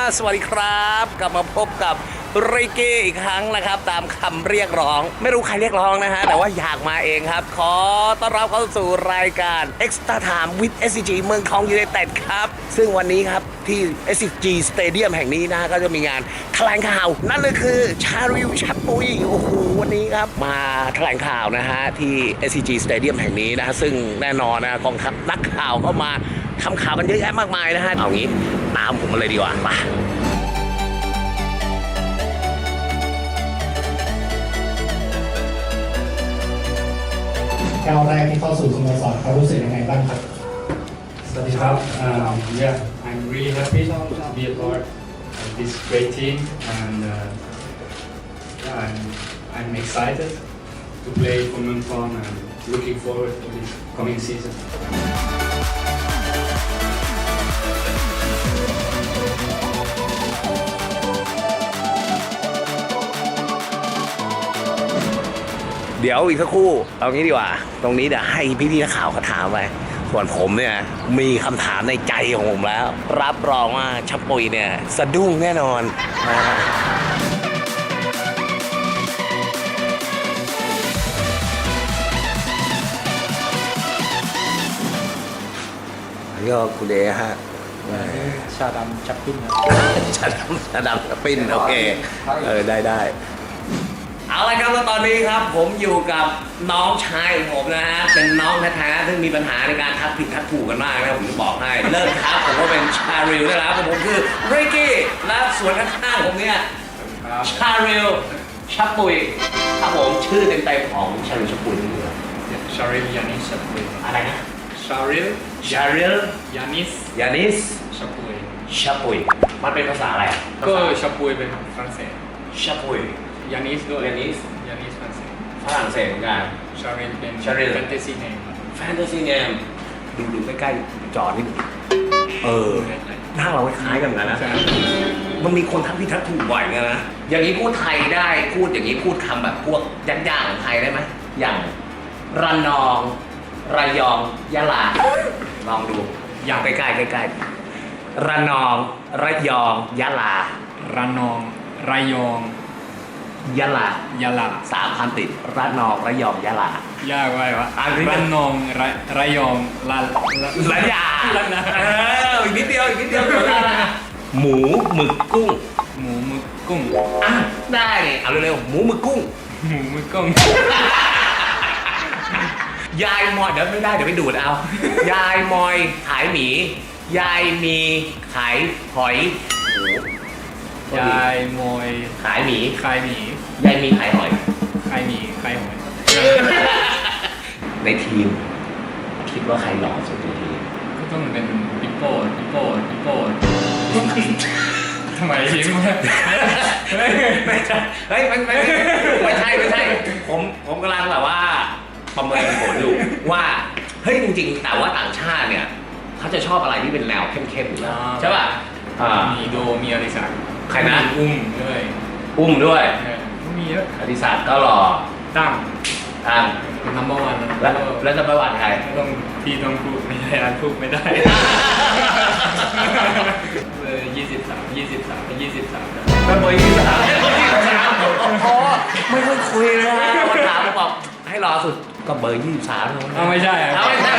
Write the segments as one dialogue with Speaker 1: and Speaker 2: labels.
Speaker 1: สวัสดีครับกลับมาพบกับริกกี้อีกครั้งนะครับตามคำเรียกร้องไม่รู้ใครเรียกร้องนะฮะแต่ว่าอยากมาเองครับขอต้อนรับเข้าสู่รายการ Extra Time with SCG เมืองทองยูไนเต็ดครับซึ่งวันนี้ครับที่ SCG Stadium แห่งนี้นะก็จะมีงานแถลงข่าวนั่นเลยคือชาริวชับปุยโอ้โหวันนี้ครับมาแถลงข่าวนะฮะที่ SCG Stadium แห่งนี้นะซึ่งแน่นอนนะกองทัพนักข่าวเข้ามาทำข่าวกันเยอะแยะมากมายนะฮะเอางี้ตามผมมาเลยดีกว่าไป
Speaker 2: ก้าวแรกที่เข้าสู่สโมสรเขารู้สึกยังไงบ้างครับ
Speaker 3: สวัสดีครับ Yeah, I'm really happy to be a part of this great team, and yeah, I'm excited to play for Muntong and looking forward to this coming season.
Speaker 1: เดี๋ยวอีกสักครู่เอางี้ดีกว่าตรงนี้เดี๋ยวให้พี่ๆนักข่าวเขาถามไปส่วนผมเนี่ยมีคำถามในใจของผมแล้ว รับรองว่าชับปุยเนี่ยสะดุ้งแน่นอนนะฮะอันนี้ก็คุณเดฮะ
Speaker 2: ชาดำชับปิ้นนะ
Speaker 1: ชาดำปิ้นโอเคได้เอาละครับแล้วตอนนี้ครับผมอยู่กับน้องชายของผมนะฮะเป็นน้องแท้ๆซึ่งมีปัญหาในการทักผิดทักถูกกันมากนะผมจะบอกให้เลิกทักผมว่าเป็นชาริลได้แล้วผมคือริกกี้และส่วนข้างๆผมเนี่ยชาริลชับปุยครับผมชื่อเต็มๆของชาริลชับปุยนี่คือ
Speaker 3: Sharil Yanis Shapoy.
Speaker 1: อะไรนะ
Speaker 3: Sharil
Speaker 1: ชาริล
Speaker 3: Yanis
Speaker 1: ยานิส
Speaker 3: Shapoy.
Speaker 1: ชับปุยมันเป็นภาษาอะไร
Speaker 3: ก็ Shapoy เป็นฝรั่งเศส
Speaker 1: ชับปุย
Speaker 3: Yanis ด้วย
Speaker 1: Yanis
Speaker 3: Yanis ฝรั่งเศส
Speaker 1: ฝรั่งเศสเหมือนกัน
Speaker 3: Sharil เป็น
Speaker 1: Sharil
Speaker 3: fantasy name
Speaker 1: แฟนตาซีเนมดูใกล้ๆจอนิดนึงหน้าเราคล้ายกันนะ
Speaker 3: ใช่
Speaker 1: มันมีคนทักผิดทักถูกบ่อยกันนะ อย่างนี้พูดไทยได้พูดอย่างนี้พูดคำแบบพวกยักษ์ๆของไทยได้ไหมอย่างระนองระยองยะลาลองดูอย่างใกล้ๆใกล้ๆระนองระยองยะลา
Speaker 3: ระนองระยอง
Speaker 1: ยะลาย
Speaker 3: ะลา
Speaker 1: 3 คำติดระนองระยองยะลาย
Speaker 3: ากไว้วะ
Speaker 1: อ่านดิ
Speaker 3: ระนองระยอง
Speaker 1: ระยา
Speaker 3: ระนา
Speaker 1: อีกนิดเดียวหมูหมึกกุ้ง
Speaker 3: หมูหมึกกุ้ง
Speaker 1: อ่ะได้เอาเร็วๆหมูหมึกกุ้ง
Speaker 3: หมูหมึกกุ้ง
Speaker 1: ยายมอยเดี๋ยวไม่ได้เดี๋ยวไปดูดเอา ยายมอยขายหมี ยายมีขายหอย
Speaker 3: ยายมอย
Speaker 1: ขายหมี
Speaker 3: ขายหมี
Speaker 1: ยายมีขายหอย
Speaker 3: ขายหมีขายหอย
Speaker 1: ในทีม คิดว่าใครหล่อสุดในทีม
Speaker 3: ก็ต้องเป็นปิโป้ทำไมยิ้มวะ
Speaker 1: ไม่ใช่เฮ้ยไม่ใช่ผมกำลังแบบว่าประเมินผลอยู่ว่าเฮ้ยจริงๆแต่ว่าต่างชาติเนี่ยเขาจะชอบอะไรที่เป็นแนวเข้มๆอยู่แล้วใช่ป่ะ
Speaker 3: มีโดมีอริสัก
Speaker 1: ใครนะ
Speaker 3: อุ้มด้วย
Speaker 1: อุ้มด้วย
Speaker 3: มีเยอะ
Speaker 1: อธิศักดิ์ก็หล่อ
Speaker 3: ตั้ง
Speaker 1: ตั้ง
Speaker 3: เป็นนัมเบอร์วัน
Speaker 1: แล้วจะประวัติใคร
Speaker 3: ต้องพี่ต้องพูดไม่ได้อ่านพูดไม่ได้23
Speaker 1: เป็นเบอร์23โอ้ไม่ค่อยคุยเลยฮะวันถามบอกให้รอสุดก็เบอร์23แล้ว
Speaker 3: ไม่ใช่อ่ะ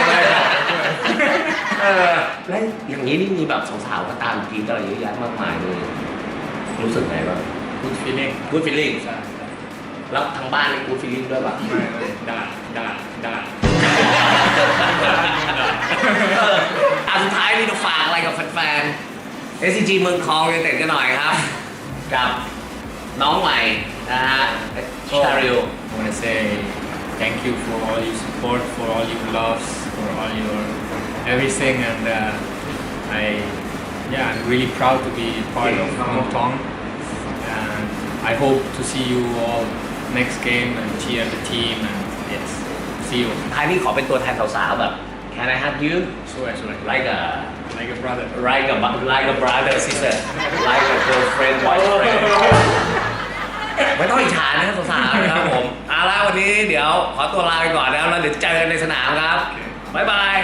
Speaker 1: แล้วอย่างนี้นี่มีแบบสาวๆก็ตามกินอะไรเยอะแยะมากมายเลยรู้สึกไงบ้าง
Speaker 3: good feeling
Speaker 1: good feeling
Speaker 3: ใช่
Speaker 1: แล้วทางบ้านนี่ good feeling ด้วยป่ะ
Speaker 3: ไม่ด่า
Speaker 1: สุดท้ายนี่จะฝากอะไรกับแฟนๆ SCG เมืองทองยูไนเต็ดกันหน่อยครับ กับน้องใหม่นะฮะชาริล
Speaker 3: I want to say thank you for all your support, for all your loves, for all your everything, and I'm really proud to be part of Muntong. And I hope to see you all next game and cheer the team. And yes, see you.
Speaker 1: ท้ายนี้ขอเป็นตัวแทนสาวๆแบบ Can I hug you
Speaker 3: Sure.
Speaker 1: like a
Speaker 3: brother.
Speaker 1: like a brother sister like a girlfriend boyfriend ไม่ต้องอิจฉานะครับสาวๆนะครับผมเอาละวันนี้เดี๋ยวขอตัวลาไปก่อนแล้วเดี๋ยวเจอกันในสนามครับบ๊ายบาย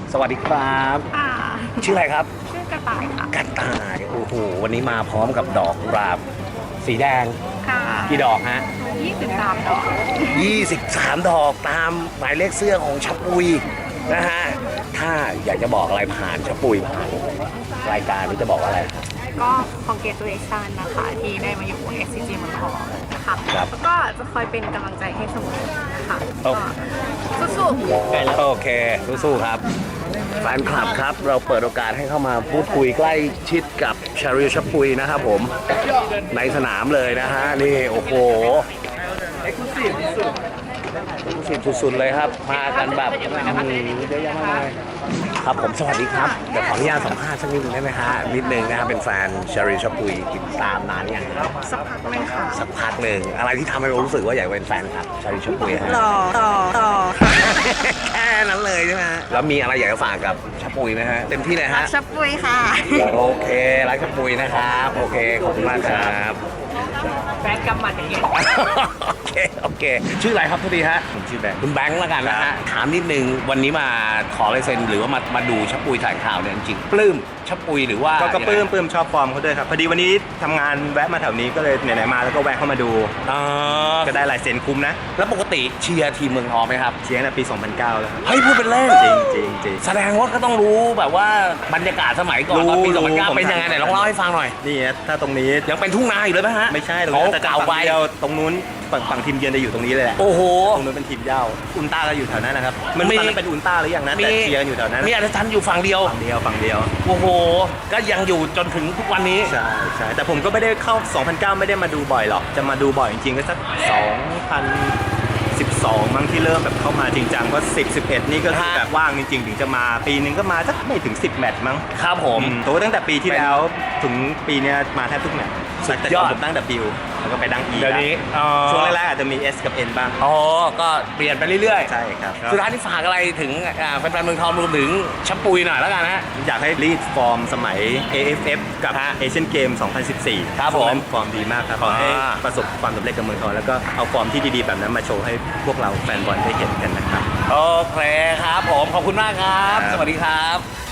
Speaker 1: สวัสดีครับ
Speaker 4: ค่ะ
Speaker 1: ชื่ออะไรครับ
Speaker 4: ชื่อกระต่ายค่ะ
Speaker 1: กระต่ายโอ้โหวันนี้มาพร้อมกับดอกกุหลาบสีแดง
Speaker 4: ค่ะ
Speaker 1: กี่ดอกฮะ
Speaker 4: 23 ดอก
Speaker 1: 23 ดอกตามหมายเลขเสื้อของชับปุยนะฮะถ้าอยากจะบอกอะไรผ่านชับปุยผ่านรายการนี้จะบอกว่าอะไร
Speaker 4: ก็คองเกตูเลชันนะคะ ที่ได้มาอยู่วง SCG เมืองทองค่ะ
Speaker 1: ครับ
Speaker 4: แล้วก็จะคอยเป็นกำลังใจให้เสมอค่ะ
Speaker 1: โอ้
Speaker 4: ก็สู้ๆ
Speaker 1: โอเคสู้ๆครับแฟนคลับครับเราเปิดโอกาสให้เข้ามาพูดคุยใกล้ชิดกับชาริลชับปุยนะครับผมในสนามเลยนะฮะนี่โอ้โหสุดๆเลยครับมากันแบบเยอะแยะมากมายครับผมสวัสดีครับเดี๋ยวขออนุญาตสัมภาษณ์สักนิดนึงได้ไหมฮะนิดนึงนะครับเป็นแฟนชาริลชับปุยติดตามนานยังครับ
Speaker 4: สักพักหนึงค่ะ
Speaker 1: สักพักหนึ่งอะไรที่ทำให้เรารู้สึกว่าอยากเป็นแฟนครับชาริลชับปุยฮะ
Speaker 4: ต่อ
Speaker 1: แค่นั้นเลยใช่ไหมฮะแล้วมีอะไรอยากจะฝากกับชับปุยไหมฮะเต็มที่เลยฮะ
Speaker 4: ชับปุยค่ะ
Speaker 1: โอเครักชับปุยนะครับ โอเค ขอบคุณมากครับ
Speaker 4: แฟนกำหมัดอย่างเงี้ย
Speaker 1: โอเค ชื่ออะไรครับทุกทีฮะ
Speaker 5: ผมชื่อแบงค์
Speaker 1: คุณแบงค์แล้วกันนะฮะ ถามนิดนึง วันนี้มาขอลายเซ็นหรือว่ามาดูชับปุยถ่ายข่าวเนี่ยจริงๆปลื้มชับปุยหรือว่า
Speaker 5: ก็ปลื้มชอบฟอร์มเขาด้วยครับพอดีวันนี้ทำงานแวะมาแถวนี้ก็เลยไหนๆมาแล้วก็แวะเข้ามาดู
Speaker 1: อ๋อ
Speaker 5: ก็ได้ลายเซ็นคุ้มนะ
Speaker 1: แล้วปกติเชียร์ทีมเมืองทองไหมครับ
Speaker 5: เชียร์ตั้งแต่ปี 2009 แล้วครับ
Speaker 1: เฮ้ยพูดเป็นเล่น
Speaker 5: จริง
Speaker 1: แสดงว่าก็ต้องรู้แบบว่าบรรยากาศสมัยก่อนตอนปี
Speaker 5: รู้
Speaker 1: 2009
Speaker 5: ผม
Speaker 1: เป็นยังไงไหนลองเล่าให้ฟังหน่อย
Speaker 5: นี่นะถ้าตรงนี้
Speaker 1: ยังเป็นทุ่งนาอยู่เลยไหมฮะ
Speaker 5: ไม่ใช่ตรง
Speaker 1: โอ้
Speaker 5: นี้แต่
Speaker 1: เก่าไป
Speaker 5: ฝั่งเดียวตรงนู้นฝั่งทีมเยือนจะอยู่ตรงนี้เลยแหละ
Speaker 1: โอ้โห
Speaker 5: ตรงนู้นเป็นทีมเย้าอุลตร้าก็อยู่แถวนั้นนะครับมัน
Speaker 1: มี
Speaker 5: ตอนนั้นเป็นอุลตร้าหรือยังนะแต่เชียร์กันอยู่แถวนั้น
Speaker 1: มีอาจารย์อยู่ฝั่งเดียว
Speaker 5: ฝั่งเดียว
Speaker 1: โอ้โห ก็ยังอยู่จนถึงทุกวันนี้
Speaker 5: ใช่แต่ผมก็ไม่ได้เข้า 2009 ไม่ได้มาดูบ่อยหรอกจะมาดูบ่อยจริงๆก็สัก 2012 มั้งที่เริ่มแบบเข้ามาจริงจังเพราะ10 11 นี่ก็คือ
Speaker 1: ฮะ
Speaker 5: แบบว่างจริงๆ ถึงจะมาปีนึงก็มาสักไม่ถึง 10 แมตช์มั้ง
Speaker 1: ครับผม
Speaker 5: โตตั้งแต่ปีที่แล้วถึงปีเนี้ยมาแทบทุกแมตช์
Speaker 1: สุด
Speaker 5: แต่
Speaker 1: ย
Speaker 5: ก่
Speaker 1: อ
Speaker 5: อ
Speaker 1: ด
Speaker 5: นผมตั้ง W แล้วก็ไปตั้ง E
Speaker 1: เดี๋ยวนี้
Speaker 5: ช่วงแรกๆอาจจะมี S กับ N บ้าง
Speaker 1: อ๋อ ก็เปลี่ยนไปเรื่อย
Speaker 5: ใช่ครับ
Speaker 1: ๆ สุดท้ายที่ฝากอะไรถึงแฟนๆเมืองทองรวมถึงชับปุยหน่อยแล้วกันนะ
Speaker 5: อยากให้รีดฟอร์มสมัย AFF กับ
Speaker 1: ฮะ
Speaker 5: เอเชียนเกม 2014
Speaker 1: ครับผม
Speaker 5: ช่วงนั้นฟอร์มดีมากครับขอให้
Speaker 1: อ่า
Speaker 5: ประสบความสำเร็จกับเมืองทองแล้วก็เอาฟอร์มที่ดีๆแบบนั้นมาโชว์ให้พวกเราแฟนบอลได้เห็นกันนะครับ
Speaker 1: โอเคครับผม ขอบคุณมากครับ
Speaker 5: ครับ
Speaker 1: สวัสดีครับ